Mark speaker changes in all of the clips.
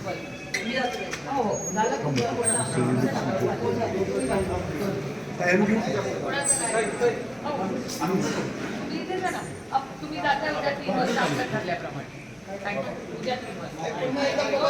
Speaker 1: तुम्ही जाता उद्या 3 वाजता आपल्या ठरल्याप्रमाणे. थँक्यू. उद्या 3 वाजता.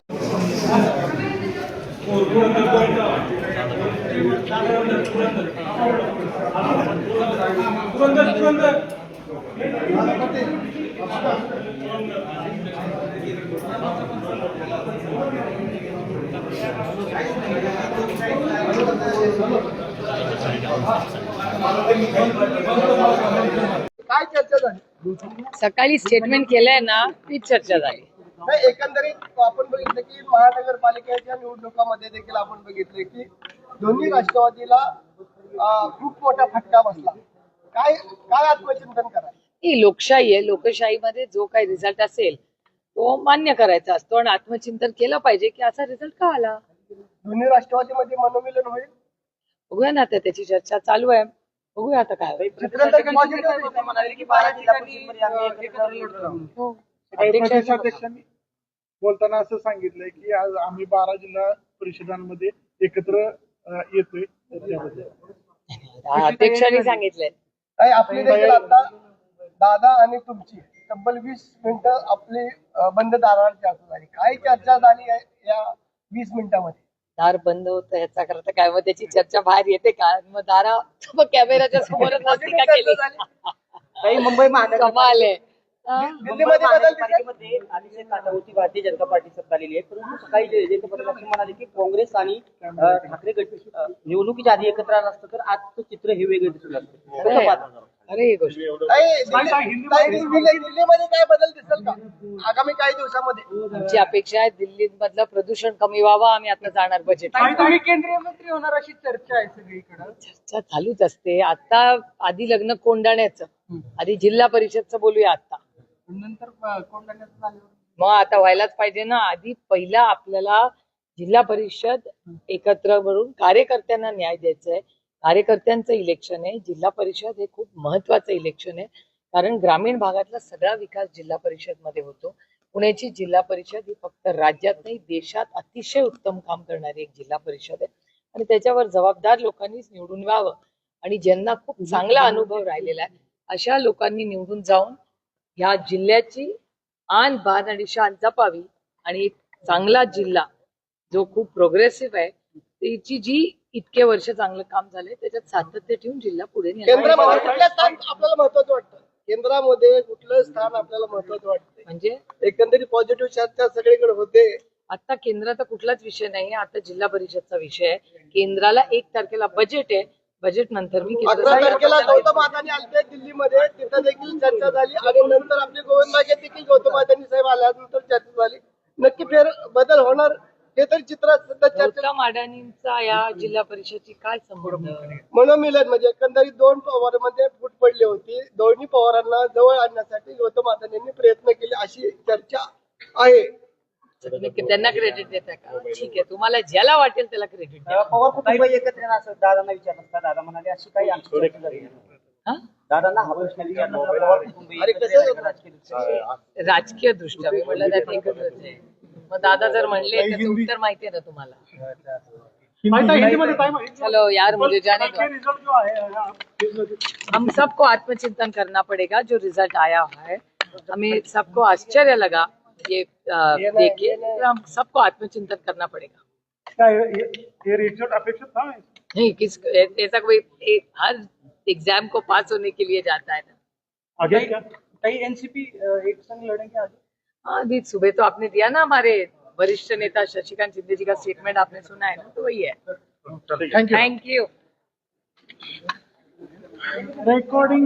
Speaker 2: काय चर्चा झाली?
Speaker 1: सकाळी स्टेटमेंट केलंय ना, ती चर्चा झाली.
Speaker 2: नाही, एकंदरीत आपण बघितलं की महानगरपालिकेच्या निवडणुकांमध्ये देखील आपण बघितले की दोन्ही राष्ट्रवादीला खूप मोठा फटका बसला. काय काय आत्मचिंतन करा?
Speaker 1: ही लोकशाही आहे. लोकशाहीमध्ये जो काही रिझल्ट असेल तो मान्य करायचा असतो आणि आत्मचिंतन केलं पाहिजे की असा रिझल्ट का आला.
Speaker 2: दोन्ही राष्ट्रवादीमध्ये मनोमिलन होईल.
Speaker 1: बघूया ना, आता त्याची चर्चा चालू आहे. बघूया आता काय होईल.
Speaker 3: प्रदेशाध्यक्षांनी बोलताना असं सांगितलंय की आज आम्ही 12 जिल्हा परिषदांमध्ये एकत्र येतोय.
Speaker 1: अध्यक्षांनी सांगितलंय.
Speaker 2: नाही, आपली देखील आता दादा आणि तुमची तब्बल 20 मिनिटं आपली बंद दारावर चर्चा झाली. काय चर्चा झाली या 20 मिनिटांमध्ये?
Speaker 1: दार बंद होतं ह्याचा करता काय, मग त्याची चर्चा बाहेर येते का? मग दारा कॅमेराच्या समोरच नसती का केली?
Speaker 4: काही मुंबई
Speaker 1: कमाल आहे.
Speaker 4: दिल्लीमध्ये अतिशय काटावरती भारतीय जनता पार्टी सत्ता आलेली आहे, परंतु सकाळी जयंत पाटील असं म्हणाले की काँग्रेस आणि ठाकरे गट निवडणुकीच्या आधी एकत्र आलं असतं तर आजचं चित्र हे वेगळं दिसू लागतं.
Speaker 1: अरे ही गोष्ट
Speaker 2: दिल्लीमध्ये काय बदल दिसेल का आगामी काही दिवसामध्ये?
Speaker 1: आमची अपेक्षा आहे दिल्ली मधलं प्रदूषण कमी व्हावं. आम्ही आता जाणार बजेट.
Speaker 2: तुम्ही केंद्रीय मंत्री होणार अशी चर्चा आहे सगळीकडे.
Speaker 1: चर्चा चालूच असते. आता आधी लग्न कोंडाण्याचं, आधी जिल्हा परिषदचं बोलूया. आता
Speaker 2: नंतर कोंडाण्याचं झालं.
Speaker 1: मग आता व्हायलाच पाहिजे ना. आधी पहिला आपल्याला जिल्हा परिषद एकत्र करून कार्यकर्त्यांना न्याय द्यायचा आहे. कार्यकर्त्यांचं इलेक्शन आहे. जिल्हा परिषद हे खूप महत्वाचं इलेक्शन आहे, कारण ग्रामीण भागातला सगळा विकास जिल्हा परिषद मध्ये होतो. पुण्याची जिल्हा परिषद ही फक्त राज्यात नाही देशात अतिशय उत्तम काम करणारी एक जिल्हा परिषद आहे आणि त्याच्यावर जबाबदार लोकांनीच निवडून यावं आणि ज्यांना खूप चांगला अनुभव राहिलेला आहे अशा लोकांनी निवडून जाऊन ह्या जिल्ह्याची आन बान आणि शान जपावी आणि एक चांगला जिल्हा जो खूप प्रोग्रेसिव्ह आहे त्याची जी इतके वर्ष चांगलं काम झालंय त्याच्यात सातत्य ठेवून जिल्हा पुढे
Speaker 2: केंद्रामध्ये कुठलं स्थान आपल्याला महत्वाचं वाटतं? केंद्रामध्ये कुठलं स्थान आपल्याला महत्वाचं वाटतं?
Speaker 1: म्हणजे
Speaker 2: एकंदरीत पॉझिटिव्ह चर्चा सगळीकडे होते.
Speaker 1: आता केंद्राचा कुठलाच विषय नाही. आता जिल्हा परिषदचा विषय आहे. केंद्राला 1 तारखेला बजेट आहे. बजेट नंतर मी
Speaker 2: 11 तारखेला गौतम अदानी आलते दिल्लीमध्ये, तिथं देखील चर्चा झाली आणि नंतर आपले गोविंदबागे देखील गौतम अदानी साहेब आल्यानंतर चर्चा झाली. नक्की फेर बदल होणार हे तर चित्र सध्या चर्चा.
Speaker 1: गौतम अडाणींचा या जिल्हा परिषदची काय संबंध?
Speaker 2: मनोमिलन म्हणजे एकंदरीत 2 पवारांमध्ये फूट पडली होती. दोन्ही पवारांना जवळ आणण्यासाठी गौतम अदानींनी प्रयत्न केले अशी चर्चा आहे.
Speaker 1: त्यांना क्रेडिट देता का? ठीक आहे, तुम्हाला ज्याला वाटेल त्याला क्रेडिट द्या.
Speaker 4: पवार कुटुंब एकत्र येणार असं दादांना विचारलं असता. दादा म्हणाले अशी काही आमची चर्चा झाली नाही. दादांना हा प्रश्न विचारला असता. पवार कुटुंब एकत्र येणार राजकीय
Speaker 1: राजकीय दृष्ट्या मी म्हटलं त्यात एकत्रच आहे. मग दादा जर म्हणले त्याचं उत्तर माहितीये ना तुम्हाला. चलो यार, मुझे जाने दो. हम सबको आत्मचिंतन करना पड़ेगा. जो रिजल्ट आया है हमें सबको आश्चर्य लगा ये देखे. हम सबको आत्मचिंतन करना पड़ेगा.
Speaker 3: ये रिजल्ट अपेक्षित था
Speaker 1: नहीं, किस ऐसा कोई हर एग्जाम को पास होने के लिए जाता है ना.
Speaker 3: आगे क्या
Speaker 4: काही एनसीपी एक संग लड़ेंगे आगे.
Speaker 1: हाँ, अभी सुबह तो आपने दिया ना, हमारे वरिष्ठ नेता शशिकांत शिंदे जी का स्टेटमेंट आपने सुना है ना, तो वही है.
Speaker 3: Thank you.
Speaker 1: Thank you.
Speaker 3: Recording